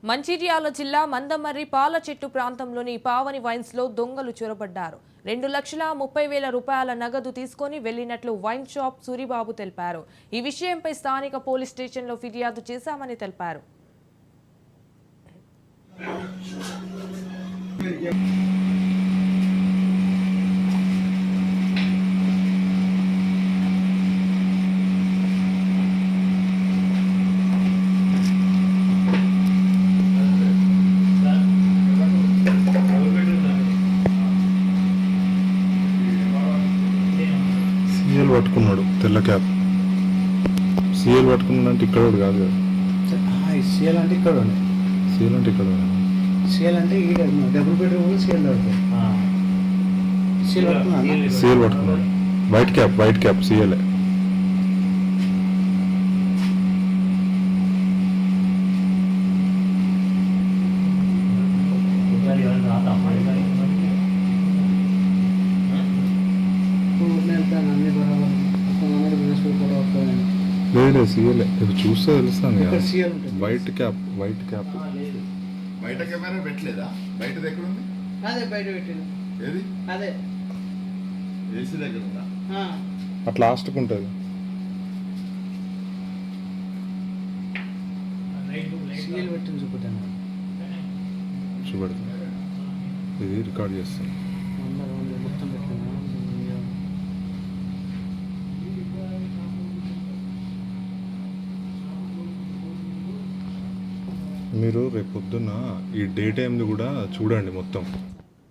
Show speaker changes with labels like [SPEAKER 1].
[SPEAKER 1] మంచిర్యాల జిల్లా మందమర్రి పాల చెట్టు ప్రాంతంలోని పావని వైన్స్ లో దొంగలు చొరబడ్డారు. 2,30,000 రూపాయల నగదు తీసుకొని వెళ్లినట్లు వైన్ షాప్ సూరిబాబు తెలిపారు. ఈ విషయంపై స్థానిక పోలీస్ స్టేషన్లో ఫిర్యాదు చేశామని తెలిపారు.
[SPEAKER 2] సీఎల్ పట్టుకున్నాడు, తెల్ల క్యాప్. సీఎల్ పట్టుకున్నాడు అంటే ఇక్కడ కాదు కదా.
[SPEAKER 3] సీఎల్ అంటే ఇక్కడ
[SPEAKER 2] సీఎల్ అంటే ఇక్కడ
[SPEAKER 3] సీఎల్ అంటే ఈ డబుల్ బెడ్రూమ్ సీఎల్ పడుతుంది.
[SPEAKER 2] సీఎల్ పట్టుకున్నాడు. White cap CL. లేదు సీఎల్ చూస్తే తెలుస్తాను. వైట్ క్యాప్
[SPEAKER 4] బయట కెమెరా పెట్టలేదా? బయటది ఎక్కడ ఉంది?
[SPEAKER 3] అదే బయట పెట్టింది.
[SPEAKER 4] ఏది?
[SPEAKER 3] అదే
[SPEAKER 4] ఏసీ దగ్గర ఉందా?
[SPEAKER 2] అట్లా లాస్ట్కి ఉంటుంది.
[SPEAKER 3] సీఎల్ పెట్టింది చూపుతాను.
[SPEAKER 2] చూపెడతా, ఇది రికార్డ్ చేస్తాను.
[SPEAKER 3] మొత్తం పెట్టినా
[SPEAKER 2] మీరు రేపు పొద్దున్న ఈ డే టైంది కూడా చూడండి మొత్తం.